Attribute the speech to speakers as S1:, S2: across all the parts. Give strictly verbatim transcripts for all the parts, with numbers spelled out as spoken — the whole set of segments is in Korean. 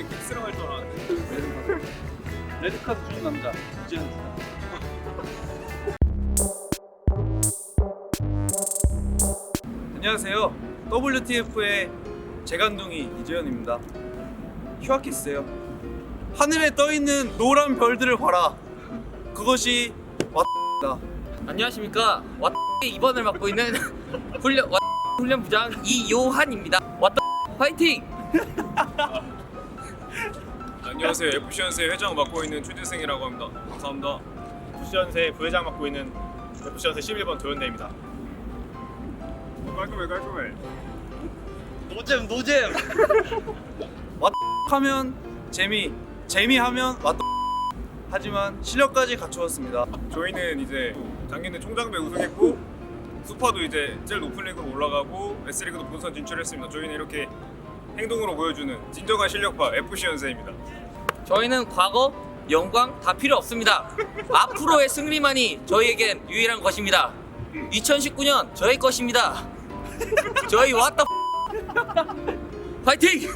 S1: 픽스로 할 줄 알았는데.
S2: 레드카드 주는 남자 이제는 안녕하세요. 더블유티에프의 재간둥이 이재현입니다. 휴아키스예요. 하늘에 떠있는 노란 별들을 봐라. 그것이 왔다.
S3: 안녕하십니까. 왓 이 번을 맡고 있는 훈련 왓 훈련부장 이요한입니다. 왓 파이팅!
S1: 안녕하세요. 에프씨연세 회장 맡고 있는 최재승이라고 합니다. 감사합니다.
S4: 에프씨연세 부회장 맡고 있는 에프씨연세 십일 번 도현대입니다. 깔끔해 깔끔해.
S2: 노잼 노잼. 하면 재미, 재미하면 왔다. 하지만 실력까지 갖추었습니다.
S1: 저희는 이제 작년에 총장배 우승했고 수파도 이제 제일 높은 리그로 올라가고 S리그도 본선 진출했습니다. 저희는 이렇게 행동으로 보여주는 진정한 실력파 에프씨연세입니다.
S3: 저희는 과거, 영광 다 필요 없습니다. 앞으로의 승리만이 저희에겐 유일한 것입니다. 이천십구 년 저희 것입니다. 저희 왔다. 파이팅!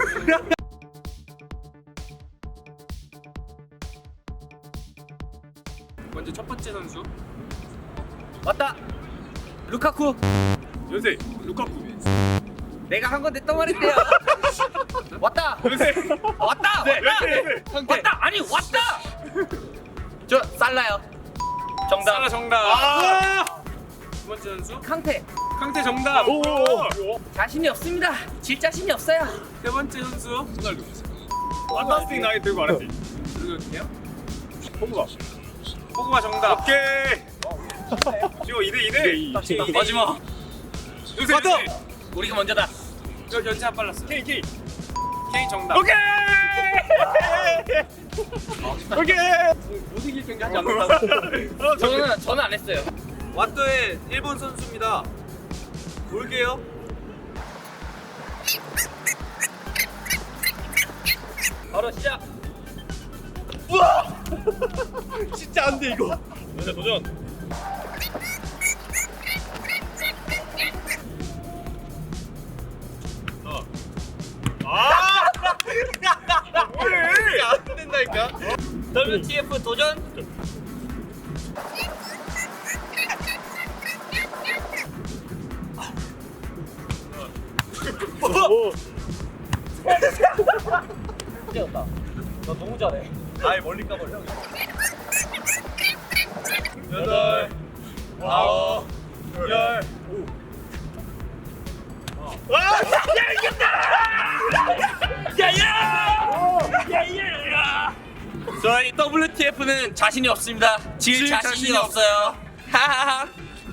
S1: 먼저 첫 번째 선수
S3: 왔다. 루카쿠.
S4: 연세 루카쿠.
S3: 내가 한 건데 또 말했대요. 왔다.
S4: 연세
S3: 왔다.
S4: 네,
S3: 왔다.
S4: 연세 연세.
S3: 왔다. 아니 왔다. 저 살라요. 정답.
S1: 하나 정답.
S4: 아!
S1: 두 번째 선수
S3: 캉테.
S1: 강태 정답.
S4: 오.
S3: 자신이 없습니다. 질 자신이 없어요.
S1: 세 번째 선수
S4: 판타스틱 나이 들고 알았지.
S1: 누구였게요?
S4: 포구가.
S1: 포그바 정답.
S4: 오케이. 지금 이 대 이 대.
S1: 마지막. 요새
S4: 맞다.
S1: 요새.
S3: 우리가 먼저다.
S1: 저 견제 안 빨랐어.
S4: K K.
S1: K 정답.
S4: 오케이. 오케이.
S2: 못 이길 경기하지 않는다고.
S4: 어, 저-
S3: 저는 저는 안 했어요.
S2: 왓더의 일본 선수입니다. 볼게요.
S3: 바로 시작.
S4: 진짜 안 돼 이거. 연세 도전. 어. 아! 뭐해? 안 된다니까.
S3: 더블유티에프 도전.
S4: 오.
S3: 뛰었다. 너 너무 잘해.
S2: 아예 멀리 까버려.
S4: 여덟. 아홉. 열. 와! 야 이겼다!
S3: 야야! 야야! 저희 더블유티에프는 자신이 없습니다. 질
S2: 질
S3: 자신이,
S2: 자신이
S3: 없어요. 하하하.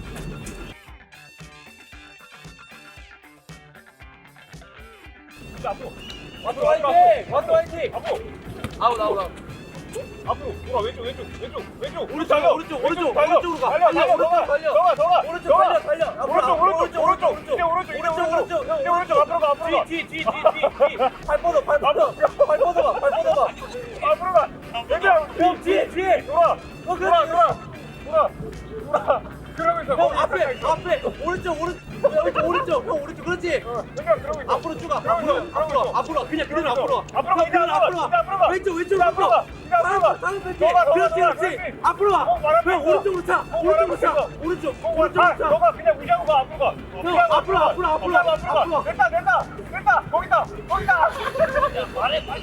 S4: 앞으로.
S3: 와도 화이팅! 와도 화이팅!
S4: 앞으로.
S3: 아웃 아웃 아웃.
S4: 앞으로. 돌아 왼쪽 왼쪽 왼쪽 왼쪽.
S2: 오른쪽,
S4: 달려.
S2: 오른쪽, 오른쪽,
S4: 달려.
S2: 오른쪽으로 가.
S4: 달려 달려.
S2: 오른쪽
S4: 너가
S2: 달려.
S4: 너가 너가.
S2: 오른쪽
S4: 너가.
S2: 달려, 달려. 앞으로
S4: 오른쪽
S2: 가.
S4: 오른쪽 오른쪽.
S2: 오른쪽,
S4: 이제 오른쪽 이제
S2: 오른쪽,
S4: 오른쪽.
S2: 오른쪽,
S4: 이제 오른쪽 앞으로 가 앞으로 가.
S2: 뒤, 뒤, 뒤, 뒤, 뒤. 발 뻗어, 발 뻗어. 발 뻗어봐, 발 뻗어봐.
S4: 앞으로 가. 얘들아
S2: 형, 뒤에, 뒤에.
S4: 돌아.
S2: 어,
S4: 돌아
S2: 그렇지.
S4: 돌아. 돌아. 돌아. 그러면서
S2: 형, 앞에, 앞에. 오른쪽, 오른쪽. 형, 오른쪽, 형, 오른쪽. 그렇지.
S4: 내가 그러고 있어.
S2: 앞으로 쭉 가.
S4: 그러고
S2: 앞으로,
S4: 있어.
S2: 앞으로,
S4: 그러고 있어.
S2: 앞으로. 그냥 그대로 앞으로. 가.
S4: 앞으로 가. 이제
S2: 그대로
S4: 앞으로 가. 이제 앞으로 가.
S2: 왼쪽, 왼쪽,
S4: 이제 앞으로 가. 이제 앞으로 가.
S2: 다른 뺄게.
S4: 너가, 너가,
S2: 그렇지,
S4: 너가,
S2: 그렇지.
S4: 그렇지.
S2: 앞으로 가.
S4: 어, 말할 거
S2: 형,
S4: 없어.
S2: 오른쪽으로 차.
S4: 어,
S2: 오른쪽으로
S4: 말할
S2: 차.
S4: 거 없어.
S2: 오른쪽,
S4: 어,
S2: 오른쪽으로
S4: 가.
S2: 차.
S4: 너가 그냥 무시하고 가. 앞으로 가.
S2: 형, 앞으로, 앞으로, 앞으로,
S4: 앞으로 가.
S2: 앞으로.
S4: 됐다 됐다 됐다. 거기다 거기다.
S3: 말해 빨리.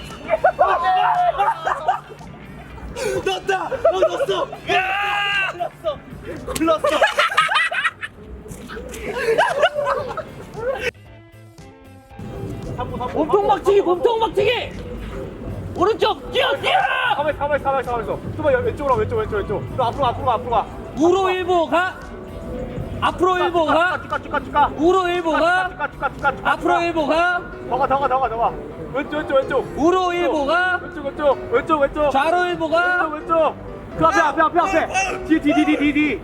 S2: 넣었다! 형 넣었어! 야! 골랐어! 골랐어!
S3: 몸통 막치기 몸통 막치기. 오른쪽 뛰어 뛰어.
S4: 가만히 가만히 가만히 가만히 있어. 좀만 왼쪽으로 왼쪽 왼쪽 왼쪽. 또 앞으로 가, 앞으로 가 앞으로 가.
S3: 우로 일보 가. 앞으로 일보 가.
S4: 쭉가 쭉가 쭉가.
S3: 우로 일보 가.
S4: 쭉가 쭉가 쭉가 쭉가.
S3: 앞으로 일보 가.
S4: 더가 더가 더가 더가. 왼쪽 왼쪽 왼쪽.
S3: 우로 일보 가.
S4: 왼쪽 왼쪽 왼쪽 왼쪽.
S3: 좌로 일보 가.
S4: 왼쪽 왼쪽. 그 앞에 앞에 앞에 앞에. 뒤 뒤 뒤 뒤 뒤 뒤.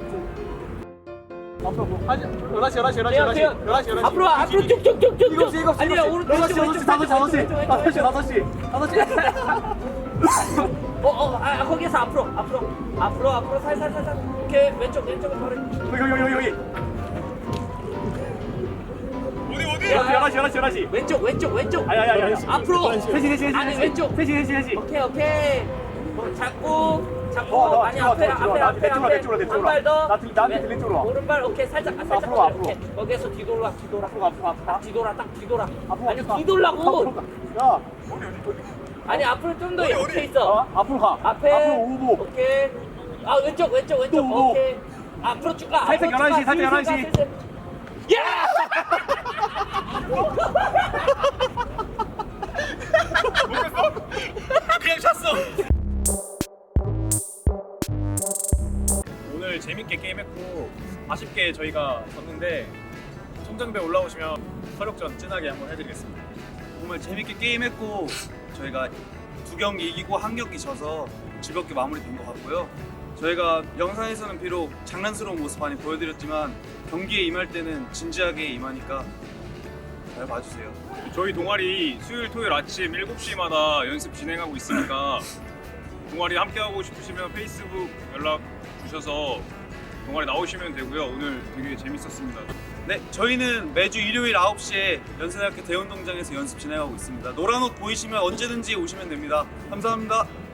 S4: 앞으로 뭐 하지? 열한 시 열한 시 열한 시 열한 시 열한 시 열한 시.
S3: 앞으로 와, 앞으로 쭉쭉쭉쭉.
S4: 일곱 시 일곱 시
S3: 아니야 오른쪽
S4: 다섯 시 다섯 시 다섯 시 다섯 시 다섯 시 다섯 시 다섯 시.
S3: 어어 아 거기에서 앞으로 앞으로 앞으로 앞으로 살살 살살 이렇게 왼쪽 왼쪽으로 바로.
S4: 여기 여기 여기 여기. 어디
S2: 열한 시 열한 시 열한 시.
S3: 왼쪽 왼쪽 왼쪽.
S2: 아니 아니 아니.
S3: 앞으로.
S2: 셋이 셋이 셋이.
S3: 아니 왼쪽.
S2: 셋이 셋이 셋이.
S3: 오케이 오케이. 어, 잡고 잡고
S2: 어, 나
S3: 많이
S2: 들어와,
S3: 앞에
S2: 들어와,
S3: 앞에
S2: 나
S3: 앞에
S2: 내 쪽으로, 내 쪽으로, 내
S3: 앞에
S2: 쪽으로.
S3: 한 발 더.
S2: 나 들- 나한테
S3: 왼-
S2: 들릴 쪽으로 와.
S3: 오른발 오케이 살짝 아, 살짝
S2: 앞으로 와, 앞으로.
S3: 오케이. 거기에서 뒤돌아 뒤돌아.
S2: 앞으로 앞으로 앞으로.
S3: 딱 뒤돌아 딱 뒤돌아.
S2: 앞으로
S3: 아니
S2: 가.
S3: 뒤돌라고.
S2: 앞으로 가. 야,
S3: 아니 앞으로 좀 더
S1: 어디,
S3: 이렇게
S1: 어디?
S3: 있어.
S2: 어? 앞으로 가.
S3: 앞에
S2: 앞으로 오고.
S3: 오케이. 아 왼쪽 왼쪽 왼쪽
S2: 또 오고.
S3: 오케이. 앞으로 쭉 가.
S2: 살짝
S3: 앞으로 쭉
S2: 열한 시,
S3: 가.
S2: 살짝
S3: 슬슬
S2: 열한
S3: 가,
S2: 시.
S3: 슬슬. 야!
S1: 그냥 찼어. 오늘 재밌게 게임했고 아쉽게 저희가 졌는데 천장배 올라오시면 서력전 진하게 한번 해드리겠습니다.
S5: 정말 재밌게 게임했고 저희가 두 경기 이기고 한 경기 져서 즐겁게 마무리된 것 같고요. 저희가 영상에서는 비록 장난스러운 모습 많이 보여드렸지만 경기에 임할 때는 진지하게 임하니까 잘 봐주세요.
S1: 저희 동아리 수요일 토요일 아침 일곱 시마다 연습 진행하고 있으니까 동아리 함께하고 싶으시면 페이스북 연락 주셔서 동아리 나오시면 되고요. 오늘 되게 재밌었습니다.
S5: 네, 저희는 매주 일요일 아홉 시에 연세대학교 대운동장에서 연습 진행하고 있습니다. 노란 옷 보이시면 언제든지 오시면 됩니다. 감사합니다.